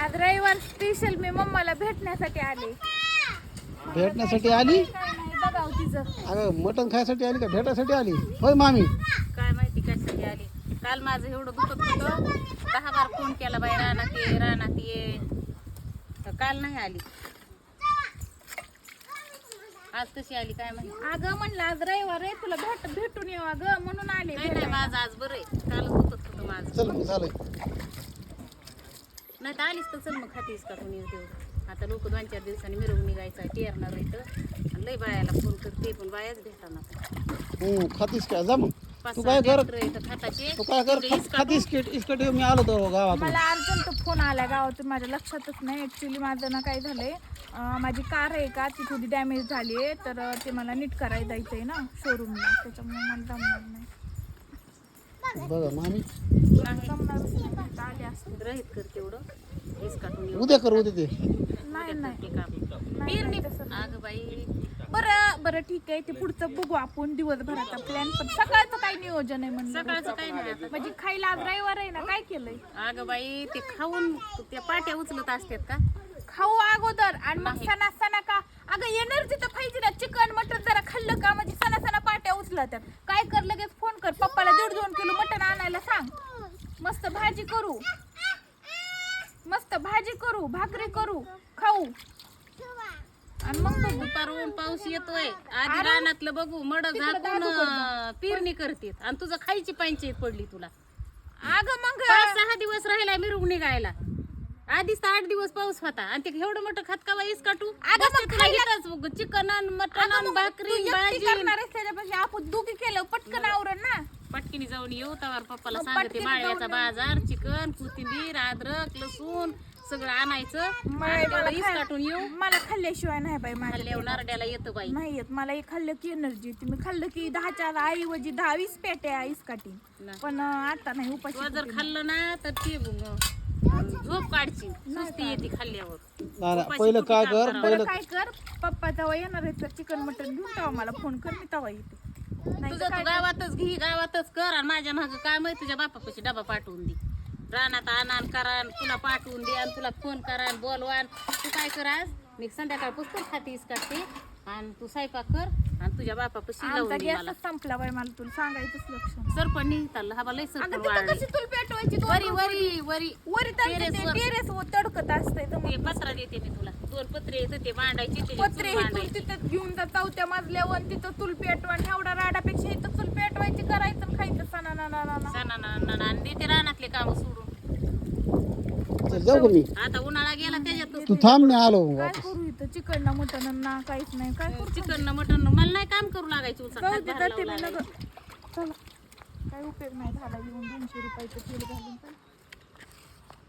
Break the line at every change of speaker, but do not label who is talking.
आज रविवार स्पेशल मी मम्माला भेटण्यासाठी आले.
भेटण्यासाठी आली?
काय नाही बघाव तिचं.
अगं मटण खायसाठी आली का भेटायसाठी आली? होय मामी.
काय माहिती कशासाठी आली. काल माझं एवढं दुखत होतं 10 बार फोन केला बाई रानात ये तर काल नाही आली. आज कशी आली काय माहिती.
अगं म्हणलं आज रविवार आहे तुला भेटून येऊ अगं म्हणून आले.
नाही माझं आज बरं आहे. काल दुखत होतं माझं.
चल मग झालंय.
नाही तर आलीच तर चल मग खातीस का कोणी तेवढं. आता लोक 2-4 दिवसांनी मिरवून निघायचं टेरणार इथं आणि लय बायाला फोन करते पण बायाच भेटणार.
खातीस काय जा मग. तू काय कर तू काय कर खातीस इस्कट मी आलो तो गावात.
मला अर्जंट फोन आला गावातून माझ्या लक्षातच नाही. ऍक्च्युली माझं ना काय झालंय माझी कार आहे का ती थोडी डॅमेज झाली आहे तर ते मला नीट करायला जायचंय ना शोरूमला त्याच्यामुळे मला जमणार नाही.
बघा मामी
जमणारच नाही आले असते.
रहित कर तेवढं इसकाटून येऊ.
उद्या कर उद्या ते.
नाही नाही
ते काम
नाही तसं.
अगं बाई
बरं ठीक आहे ते पुढचं बघू आपण दिवसभराचा प्लॅन. पण सकाळचं काय नियोजन आहे म्हणलं.
सकाळचं काही नाही आता.
म्हणजे खायला आज रविवार आहे ना काय केलंय.
अगं बाई ते खाऊन त्या पाट्या उचलत असतात का.
खाऊ अगोदर आणि मग सणा का अगं एनर्जी तर पाहिजे ना. चिकन मटन जरा खाल्लं का म्हणजे सणा पाट्या उचलतात. काय कर लगेच फोन कर पप्पाला 1.5-2 किलो मटन आणायला सांग. मस्त भाजी करू भाकरी करू खाऊ आणि मग बघू.
दुपारून पाऊस येतोय आधी रानातलं बघू मड झाकून पेरणी करते आणि तुझं खायची पंचायत पडली तुला.
अगं मग
5-6 दिवस राहिला मिरवून निघायला. आधीच तर 8 दिवस पाऊस होता आणि ते एवढं मोठं खात का बाईस काटू. चिकन मटन भाकरी भाजी
त्याच्यापेक्षा आपण दुखी केलं पटकन आवरण ना.
पटकीने जाऊन येऊ तवार पप्पाला सांगते माळव्याचा बाजार चिकन कोथिंबीर अद्रक लसूण सगळं आणायचं इस काटून येऊ.
मला खाल्ल्याशिवाय नाही बाई माझ्या
खाल्ल्यावर नारड्याला येतं बाई.
नाही येत मला एक खाल्लं की एनर्जी येते. मी खाल्लं की 10च्या ऐवजी 10-20 पेट्या इसकाटी. पण आता नाही
तू
उपाशी.
जर खाल्लं ना तर ते झोप काढची सुस्ती येते खाल्ल्यावर.
पहिलं काय कर
बरं काय कर पप्पा तेव्हा येणार आहे तर चिकन मटन घेऊन तेव्हा मला फोन कर मी तेव्हा येते.
तुझं तू गावातच घे गावातच कर आणि माझ्या मागं काय माहिती तुझ्या बापापाशी डबा पाठवून दे. रानात आणान करा तुला पाठवून दे आणि तुला फोन करा बोलवा. तू काय कर आज मी संध्याकाळ पुस्तक खातीस काढते आणि तू स्वयंपाक कर आणि तुझ्या बापापाशी लावून दे मला.
संपला बाई मला तुला सांगायचंच लक्ष.
सरपण निघताल हा लय सरपण
कशी तुला पेटवायची वरी टेरेस तडकत असते
ते पत्रा देते मी तुला 2 पत्रे येत ते मांडायचे
पत्रे तिथं घेऊन जा 4थ्या मजल्यावर तिथं चूल पेटवा एवढा राडापेक्षा इथं चूल पेटवायची करायचं खायचं
सणा आणि देते रानातले काम सोडून.
जाऊ मी
आता उन्हाळा गेला त्याच्यात
तू थांब मी आलो
काय
वापस.
करू इथं चिकन ना मटन ना काहीच नाही काय करू.
चिकन मटन मला नाही काम करू लागायचं
जाऊ दे, जाते मी लगेच. चला काय उपयोग नाही झाला येऊन 200 रुपयाचं तेल घालून पण